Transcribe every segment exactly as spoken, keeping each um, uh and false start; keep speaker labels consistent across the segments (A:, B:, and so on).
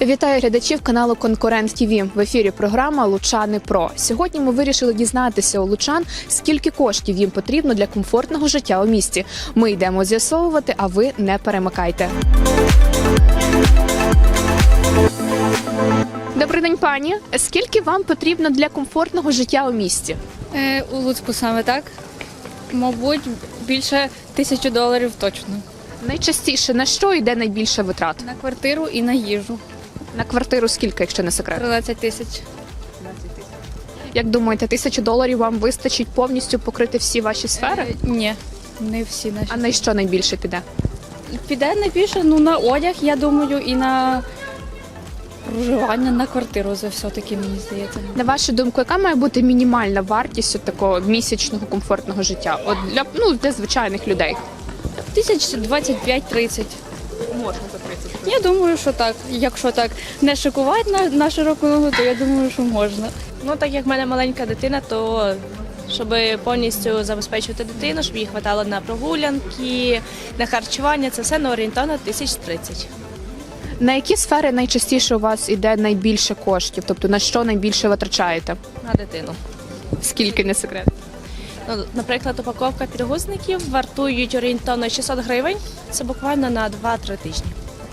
A: Вітаю глядачів каналу Конкурент ТІВІ. В ефірі програма «Лучани Про». Сьогодні ми вирішили дізнатися у лучан, скільки коштів їм потрібно для комфортного життя у місті. Ми йдемо з'ясовувати, а ви не перемикайте. Добрий день, пані. Скільки вам потрібно для комфортного життя у місті?
B: Е, у Луцьку саме так. Мабуть, більше тисячі доларів точно.
A: Найчастіше на що йде найбільше витрат?
B: На квартиру і на їжу.
A: На квартиру скільки, якщо не секрет?
B: тринадцять тисяч.
A: Як думаєте, тисячу доларів вам вистачить повністю покрити всі ваші сфери?
B: Е, ні, не всі наші.
A: А на що найбільше піде?
B: Піде найбільше ну, на одяг, я думаю, і на проживання, на квартиру за все-таки, мені здається.
A: На вашу думку, яка має бути мінімальна вартість от такого місячного комфортного життя? От для, ну, для звичайних людей?
B: Тисяч двадцять п'ять тридцять.
A: Можна за тридцять.
B: Я думаю, що так. Якщо так не шикувати на, на широку ногу, то я думаю, що можна.
C: Ну, так як в мене маленька дитина, то щоб повністю забезпечувати дитину, щоб їй хватало на прогулянки, на харчування, це все на орієнтовно тисяч тридцять.
A: На які сфери найчастіше у вас іде найбільше коштів? Тобто на що найбільше витрачаєте?
C: На дитину.
A: Скільки, не секрет?
C: Ну, наприклад, упаковка підгузників вартують орієнтовно шістсот гривень, це буквально на два-три тижні.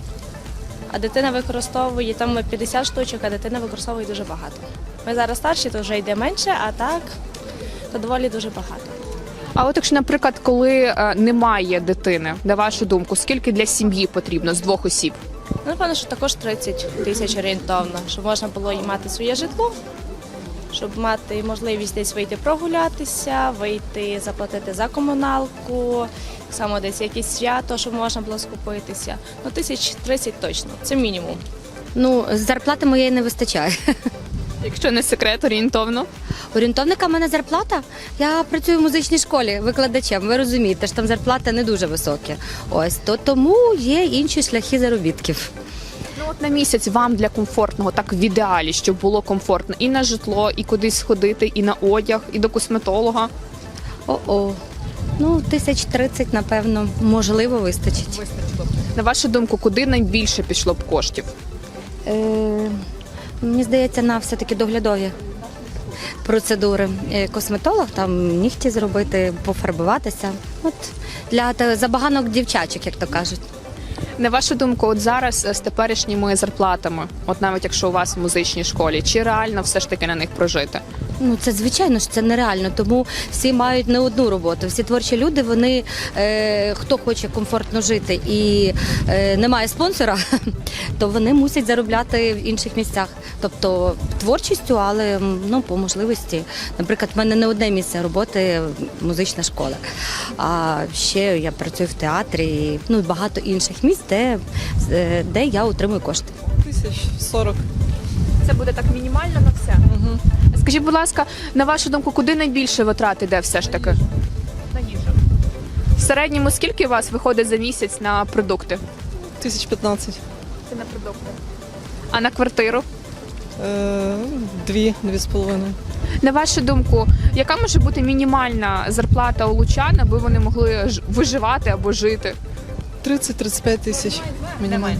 C: А дитина використовує, там п'ятдесят штучок, а дитина використовує дуже багато. Ми зараз старші, то вже йде менше, а так, то доволі дуже багато.
A: А от якщо, наприклад, коли е, немає дитини, на вашу думку, скільки для сім'ї потрібно з двох осіб?
C: Ну, напевно, що також тридцять тисяч орієнтовно, щоб можна було і мати своє житло, щоб мати можливість десь вийти прогулятися, вийти заплатити за комуналку, так само десь якісь свято, щоб можна було скупитися. Ну, тисяч тридцять точно, це мінімум.
D: Ну, зарплати моєї не вистачає.
A: Якщо не секрет, орієнтовно.
D: Орієнтовника в мене зарплата. Я працюю в музичній школі викладачем. Ви розумієте, що там зарплата не дуже високі. Ось то тому є інші шляхи заробітків.
A: Ну от на місяць вам для комфортного, так в ідеалі, щоб було комфортно і на житло, і кудись сходити, і на одяг, і до косметолога.
D: О-о. Ну, тисяч тридцять, напевно, можливо, вистачить.
A: На вашу думку, куди найбільше пішло б коштів?
D: Е, мені здається, на все-таки доглядові процедури. Е, Косметолог, там нігті зробити, пофарбуватися. От для та- забаганок дівчачок, як то кажуть.
A: На вашу думку, от зараз е, з теперішніми зарплатами, от навіть якщо у вас в музичній школі, чи реально все ж таки на них прожити?
D: Ну, це звичайно ж це нереально, тому всі мають не одну роботу. Всі творчі люди, вони е, хто хоче комфортно жити і е, не має спонсора, то вони мусять заробляти в інших місцях. Тобто творчістю, але ну по можливості. Наприклад, в мене не одне місце роботи музична школа. А ще я працюю в театрі, і, ну багато інших місць, де, е, де я отримую кошти.
E: Тисяч сорок.
A: Це буде так мінімально на все?
E: Угу.
A: Скажіть, будь ласка, на вашу думку, куди найбільше витрат іде все ж таки? На їжу. В середньому скільки у вас виходить за місяць на продукти?
E: Тисяч п'ятнадцять.
A: Це на продукти. А на квартиру?
E: Е, Дві, дві з половиною.
A: На вашу думку, яка може бути мінімальна зарплата у лучан, аби вони могли ж- виживати або жити?
E: тридцять-тридцять п'ять тисяч мінімум.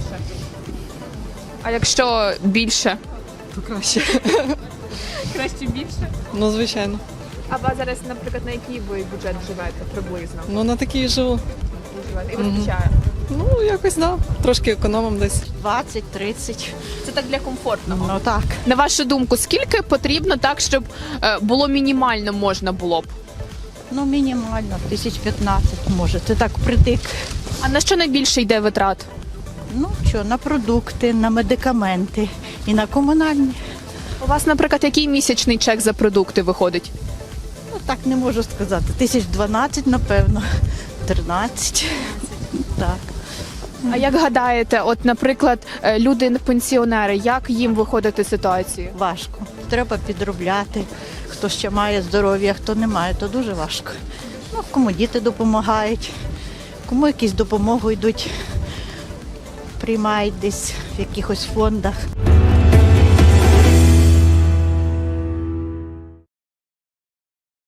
A: А якщо більше?
E: То краще.
A: Краще більше.
E: Ну, звичайно.
A: А ви зараз, наприклад, на який ви бюджет живете приблизно?
E: Ну, на такій живу.
A: І вистачає?
E: Ну, якось, да. Трошки економом десь.
F: двадцять тридцять.
A: Це так для комфортного.
F: Ну так.
A: На вашу думку, скільки потрібно так, щоб е, було мінімально можна було б?
F: Ну мінімально, тисяч п'ятнадцять може. Це так притик.
A: А на що найбільше йде витрат?
F: Ну що, на продукти, на медикаменти і на комунальні.
A: У вас, наприклад, який місячний чек за продукти виходить?
F: Ну так не можу сказати. Тисяч дванадцять, напевно. тринадцять. Так.
A: А як гадаєте, от, наприклад, е, люди-пенсіонери, як їм виходити з ситуації?
F: Важко. Треба підробляти. Хто ще має здоров'я, хто не має, то дуже важко. Ну, кому діти допомагають, кому якісь допомогу йдуть, приймають десь в якихось фондах.